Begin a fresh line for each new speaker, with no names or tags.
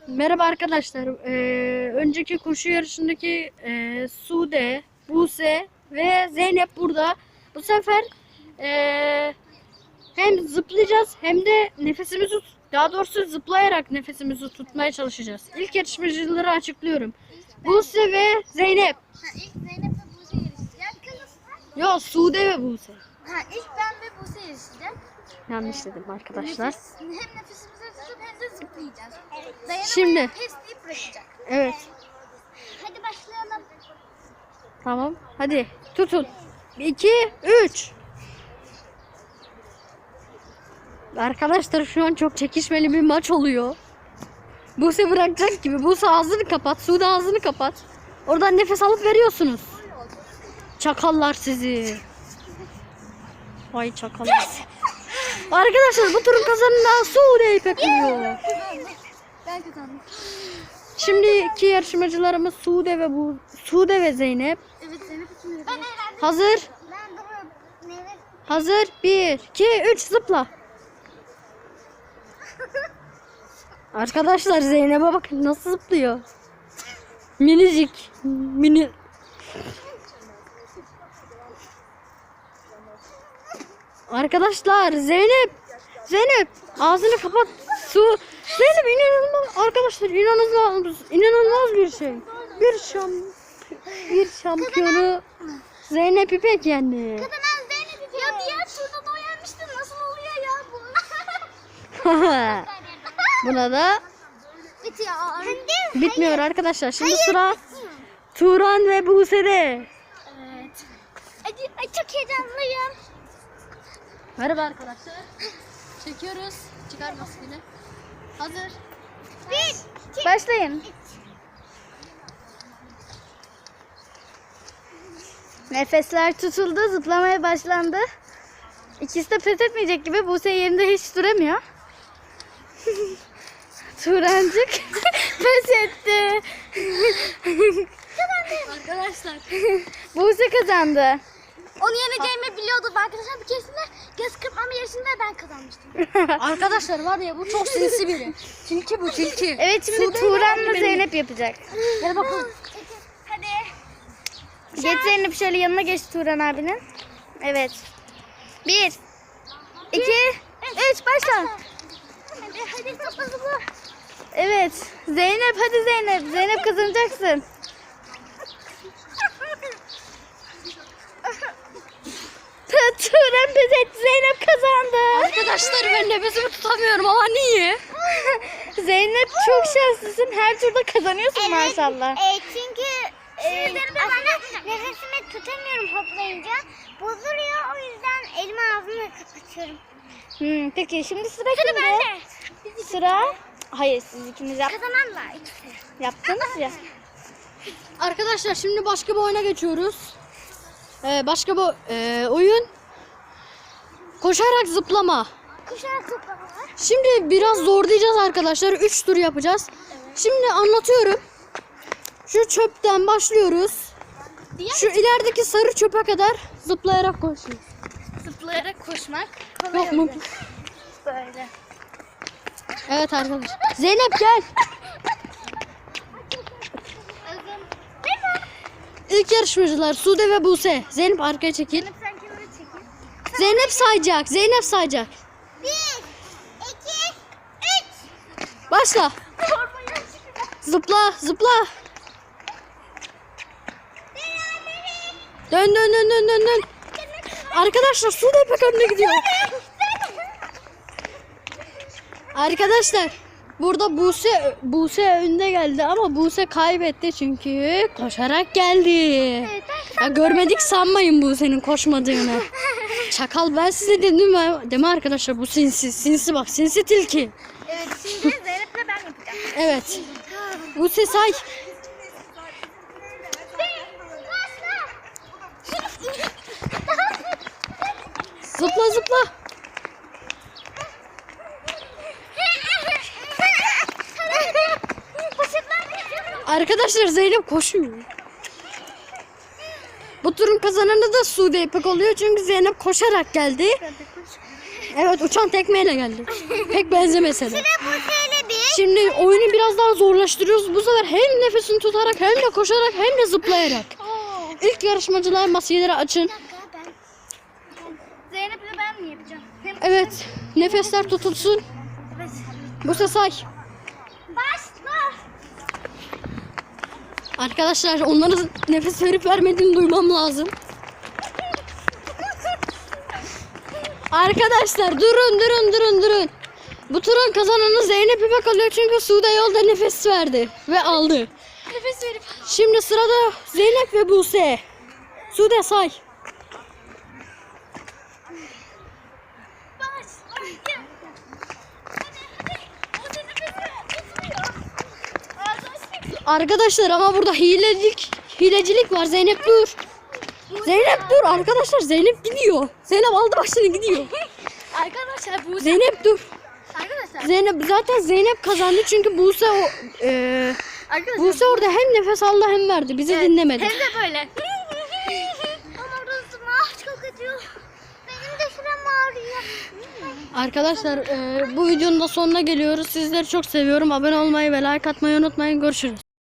Merhaba arkadaşlar. Önceki koşu yarışındaki Sude, Buse ve Zeynep burada. Bu sefer hem zıplayacağız hem de daha doğrusu zıplayarak nefesimizi tutmaya çalışacağız. İlk yarışmacıları açıklıyorum. Buse ve Zeynep.
İlk Zeynep ve Buse yarışacak.
Yo, Sude ve Buse.
İlk ben ve Buse yarışacak.
Yanlış dedim arkadaşlar.
Hem nefesimizi tutup hem de zıplayacağız. Dayanamayıp
Şimdi.
pes deyip bırakacak.
Evet.
Hadi başlayalım.
Tamam. Hadi tutun. 2, 3. Arkadaşlar şu an çok çekişmeli bir maç oluyor. Buse bırakacak gibi. Buse ağzını kapat. Sude ağzını kapat. Oradan nefes alıp veriyorsunuz. Çakallar sizi. Vay çakallar. Arkadaşlar bu turun kazananı Sude İpek oluyor.
Ben kazandım.
Şimdi iki yarışmacılarımız Sude ve Zeynep.
Evet Zeynep için. Ben eğlendim.
Hazır.
Ben duruyorum. Nefes.
Hazır. 1, 2, 3 zıpla. Arkadaşlar Zeynep'e bakın nasıl zıplıyor. Minicik. Mini. Arkadaşlar Zeynep ağzını kapat. Zeynep inanılmaz. Arkadaşlar inanılmaz bir şey. Bir şampiyonu Zeynep İpek yendi.
Kazanan Zeynep için. Ya diğer turda da o yenmişti. Nasıl oluyor ya bu?
Buna da
Bitiyor.
bitmiyor arkadaşlar. Şimdi sıra Turan ve Buse'de.
Evet. Ay çok heyecanlıyım.
Merhaba arkadaşlar. Çekiyoruz. Çıkar maskeni. Hazır.
Başlayın. Nefesler tutuldu, zıplamaya başlandı. İkisi de pes etmeyecek gibi. Buse yerinde hiç duramıyor. Turancık pes etti.
Arkadaşlar.
Buse kazandı. Onu yeneceğimi biliyordum arkadaşlar. Bir keresinde göz kırpmam yarışında ben kazanmıştım.
Arkadaşlar var ya bu çok sinsi biri. Tilki bu tilki.
Evet şimdi Turan'la Zeynep yapacak.
Gel bakalım.
Hadi. Geç Zeynep şöyle yanına geç Turan abinin. Evet. 1, 2, 3 başla. Hadi zıpla zıpla. Evet. Zeynep hadi Zeynep. Zeynep kazanacaksın. Turan pes etti. Zeynep kazandı.
Arkadaşlar ben nefesimi tutamıyorum ama niye?
Zeynep çok şanslısın. Her turda kazanıyorsun maşallah.
Çünkü aslında nefesimi tutamıyorum hoplayınca. Bozuluyor, o yüzden elimi ağzımla kapatıyorum.
Peki şimdi sıra kimde? Sıra... Hayır siz ikiniz
Kazananlar ikisi.
yaptınız ya.
Arkadaşlar şimdi başka bir oyuna geçiyoruz. Başka bir oyun. Koşarak zıplama.
Kuşarak toplamalar.
Şimdi biraz zorlayacağız arkadaşlar. 3 tur yapacağız. Şimdi anlatıyorum. Şu çöpten başlıyoruz. Şu ilerideki sarı çöpe kadar zıplayarak koşuyoruz.
Zıplayarak koşmak.
Yok mu?
Böyle.
Evet arkadaşlar. Zeynep gel. İlk yarışmacılar Sude ve Buse. Zeynep arkaya çekil.
Sen kenara çekil.
Zeynep sayacak. Zeynep sayacak.
1, 2, 3.
Başla. Zıpla, zıpla. Dön. Arkadaşlar Sude İpek önüne gidiyor. Arkadaşlar burada Buse önde geldi ama Buse kaybetti çünkü koşarak geldi. Ya görmedik sanmayın Buse'nin koşmadığını. Çakal ben size dedim değil mi arkadaşlar, bu sinsi bak, sinsi tilki.
Evet şimdi Zeynep'le ben yapacağım.
Evet. Buse say. Zıpla. Arkadaşlar Zeynep koşuyor. Bu turun kazananı da Sude İpek oluyor çünkü Zeynep koşarak geldi. Evet, uçan tekmeyle geldi. Pek benzemese de.
Buse ile 1,
Şimdi oyunu biraz daha zorlaştırıyoruz. Bu sefer hem nefesini tutarak hem de koşarak hem de zıplayarak. İlk yarışmacılar maskeleri açın.
Zeynep'le ben mi yapacağım?
Evet, nefesler tutulsun.
Evet.
Buse say.
Başla.
Arkadaşlar onların nefes verip vermediğini duymam lazım. Arkadaşlar durun. Bu turun kazananı Zeynep İpek alıyor çünkü Sude yolda nefes verdi ve aldı.
Nefes verip.
Şimdi sırada Zeynep ve Buse. Sude say. Arkadaşlar ama burada hilecilik var. Zeynep dur. Zeynep dur arkadaşlar. Zeynep gidiyor. Zeynep aldı başını gidiyor.
Arkadaşlar bu
Zeynep dur.
arkadaşlar
Zaten Zeynep kazandı çünkü Buse
arkadaşlar
Buse orada hem nefes aldı hem verdi. Bizi dinlemedi.
hem de böyle.
Ama orası çok acıyor. Benim de şuram ağrıyor.
Arkadaşlar bu videonun da sonuna geliyoruz. Sizleri çok seviyorum. Abone olmayı ve like atmayı unutmayın. Görüşürüz.